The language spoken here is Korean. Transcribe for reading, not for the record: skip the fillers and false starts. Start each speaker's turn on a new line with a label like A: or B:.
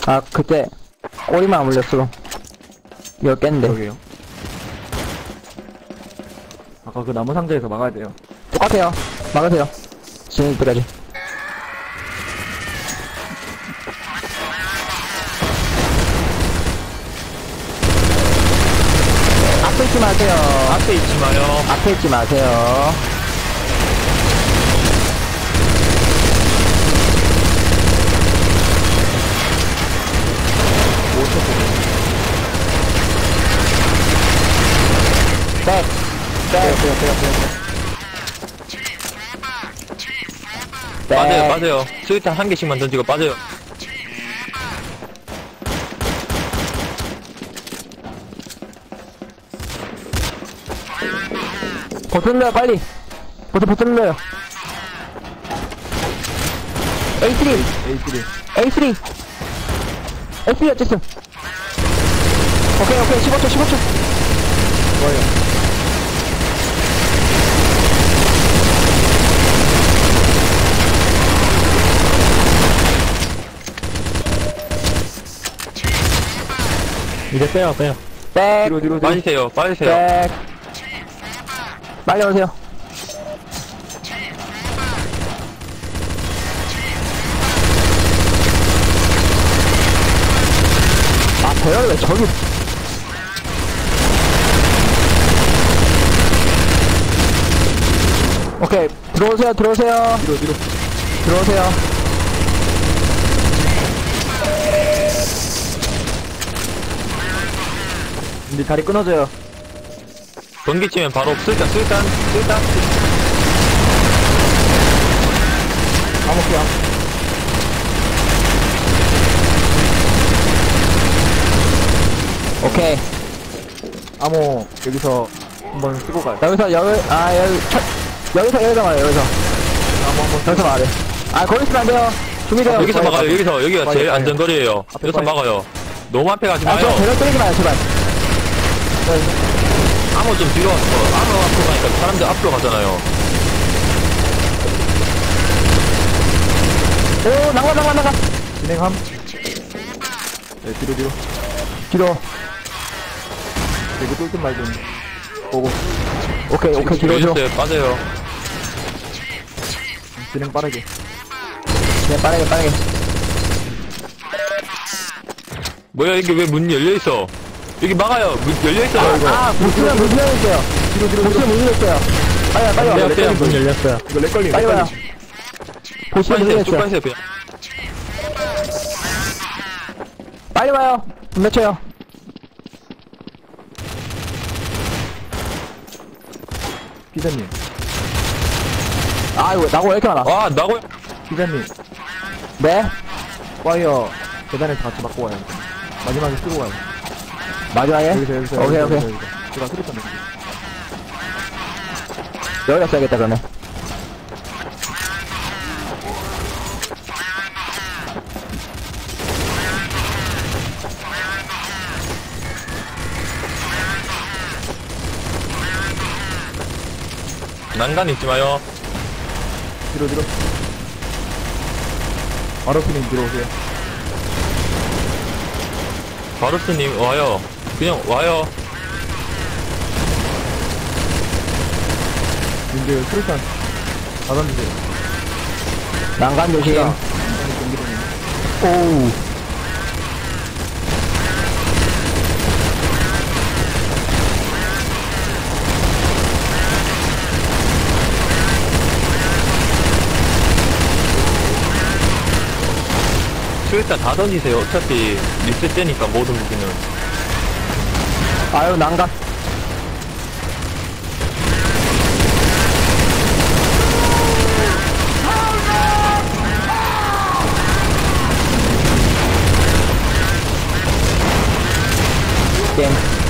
A: 아, 그때 꼬리만 안 물렸어. 이거 깼는데.
B: 그러게요. 아까 그 나무 상자에서 막아야 돼요.
A: 똑같아요. 막으세요. 지금 이때까지. 앞에 있지 마세요.
C: 앞에 있지 마요.
A: 앞에 있지 마세요. 백. 백.
C: 빠져요, 빠져요. 수류탄 한 개씩만 던지고 빠져요.
A: 버튼 눌러요, 빨리. 버튼 눌러요. A3.
B: A3.
A: A3. A3 어쨌음. 오케이, 15초.
B: 좋아요.
D: 이제 빼요.
A: 백.
B: 뒤로.
C: 빠지세요, 빠지세요.
A: 백. 빨리 오세요. 아, 배열 왜 저기. 오케이, 들어오세요.
B: 뒤로.
A: 들어오세요.
B: 이제 다리 끊어져요.
C: 번개 치면 바로 수류탄.
B: 암흑기야.
A: 오케이.
B: 암호 여기서 한번 쓰고 가요.
A: 여기서 막아요, 여기서. 여기서 막아요. 아, 거기 있으면 안 돼요. 준비돼요.
C: 여기서 막아요, 여기가 제일
B: 빨리.
C: 안전거리에요.
B: 앞에
C: 여기서
B: 빨리.
C: 막아요. 너무 앞에 가지
A: 아, 저
C: 마요.
A: 배를 때리지 마요, 제발.
C: 암호 좀 뒤로 왔어. 암호 앞으로 가니까 사람들 앞으로 가잖아요.
A: 오, 나가.
B: 진행함. 네, 뒤로.
A: 뒤로.
B: 이거 뚫든 말든. 보고.
A: 오케이, 뒤로.
C: 열렸어요, 빠져요.
B: 진행 빠르게.
A: 네, 빠르게.
C: 뭐야, 이게 왜 문 열려있어? 여기 막아요. 문 열려있어요.
A: 보시면 문 열렸어요. 보시면 문 열렸어요. 빨리 와요.
C: 네, 문
D: 열렸어요.
B: 이거 렉걸림.
A: 빨리 와요. 보시면 문
C: 빠지세요, 쭉
A: 열렸어요.
C: 빠지세요, 그냥.
A: 빨리 와요. 문 맺혀요.
B: 피자님.
A: 아, 이거 나고 왜 이렇게 많아?
C: 아, 나고
B: 피자님.
A: 네?
B: 와이어 계단에서 같이 맞고 와요. 마지막에 쓰고 가요.
A: 마지막에?
B: 여기서.
A: 오케이.
B: 제가 수류탄 넣을게요.
A: 여기다 써야겠다, 그러면.
C: 난간 있지 마요.
B: 뒤로. 마로피님 들어오세요.
C: 바루스님, 와요. 그냥 와요.
B: 님들 수류탄 다 던지세요.
A: 난간 조심.
B: 경기도님.
A: 오우.
C: 수류탄 다 던지세요. 어차피 리셋되니까 모든 무기는.
A: 아유, 난간. 게임.